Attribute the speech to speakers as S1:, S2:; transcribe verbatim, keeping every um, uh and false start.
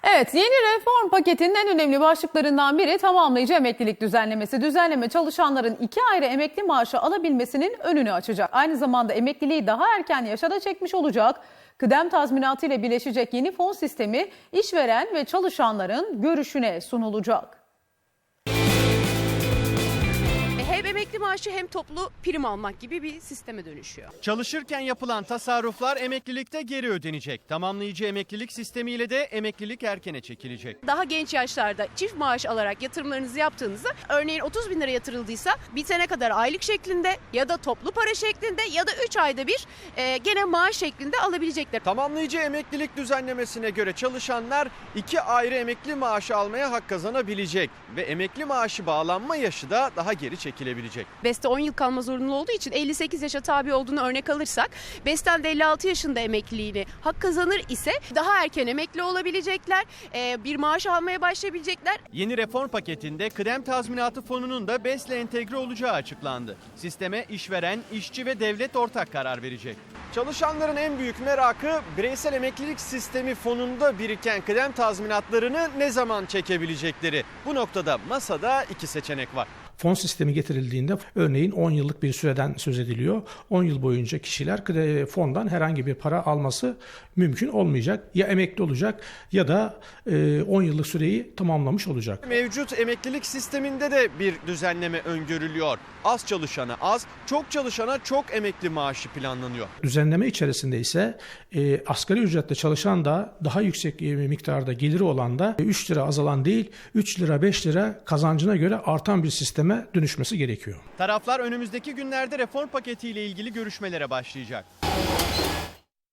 S1: Evet, yeni reform paketinin en önemli başlıklarından biri tamamlayıcı emeklilik düzenlemesi. Düzenleme çalışanların iki ayrı emekli maaşı alabilmesinin önünü açacak. Aynı zamanda emekliliği daha erken yaşa da çekmiş olacak. Kıdem tazminatı ile birleşecek yeni fon sistemi işveren ve çalışanların görüşüne sunulacak.
S2: Hem emekli maaşı hem toplu prim almak gibi bir sisteme dönüşüyor.
S3: Çalışırken yapılan tasarruflar emeklilikte geri ödenecek. Tamamlayıcı emeklilik sistemiyle de emeklilik erkene çekilecek.
S2: Daha genç yaşlarda çift maaş alarak yatırımlarınızı yaptığınızda, örneğin otuz bin lira yatırıldıysa bitene kadar aylık şeklinde ya da toplu para şeklinde ya da üç ayda bir e, gene maaş şeklinde alabilecekler.
S3: Tamamlayıcı emeklilik düzenlemesine göre çalışanlar iki ayrı emekli maaşı almaya hak kazanabilecek ve emekli maaşı bağlanma yaşı da daha geri çekilebilecek.
S2: BES'te on yıl kalma zorunlu olduğu için elli sekiz yaşa tabi olduğunu örnek alırsak, BES'ten de elli altı yaşında emekliliğini hak kazanır ise daha erken emekli olabilecekler, e, bir maaş almaya başlayabilecekler.
S3: Yeni reform paketinde kıdem tazminatı fonunun da BES'le entegre olacağı açıklandı. Sisteme işveren, işçi ve devlet ortak karar verecek. Çalışanların en büyük merakı bireysel emeklilik sistemi fonunda biriken kıdem tazminatlarını ne zaman çekebilecekleri. Bu noktada masada iki seçenek var.
S4: Fon sistemi getirildiğinde örneğin on yıllık bir süreden söz ediliyor. on yıl boyunca kişiler fondan herhangi bir para alması mümkün olmayacak. Ya emekli olacak ya da on yıllık süreyi tamamlamış olacak.
S3: Mevcut emeklilik sisteminde de bir düzenleme öngörülüyor. Az çalışana az, çok çalışana çok emekli maaşı planlanıyor.
S4: Düzenleme içerisinde ise e, asgari ücretle çalışan da daha yüksek miktarda geliri olan da üç lira azalan değil üç lira beş lira kazancına göre artan bir sisteme dönüşmesi gerekiyor.
S3: Taraflar önümüzdeki günlerde reform paketiyle ilgili görüşmelere başlayacak.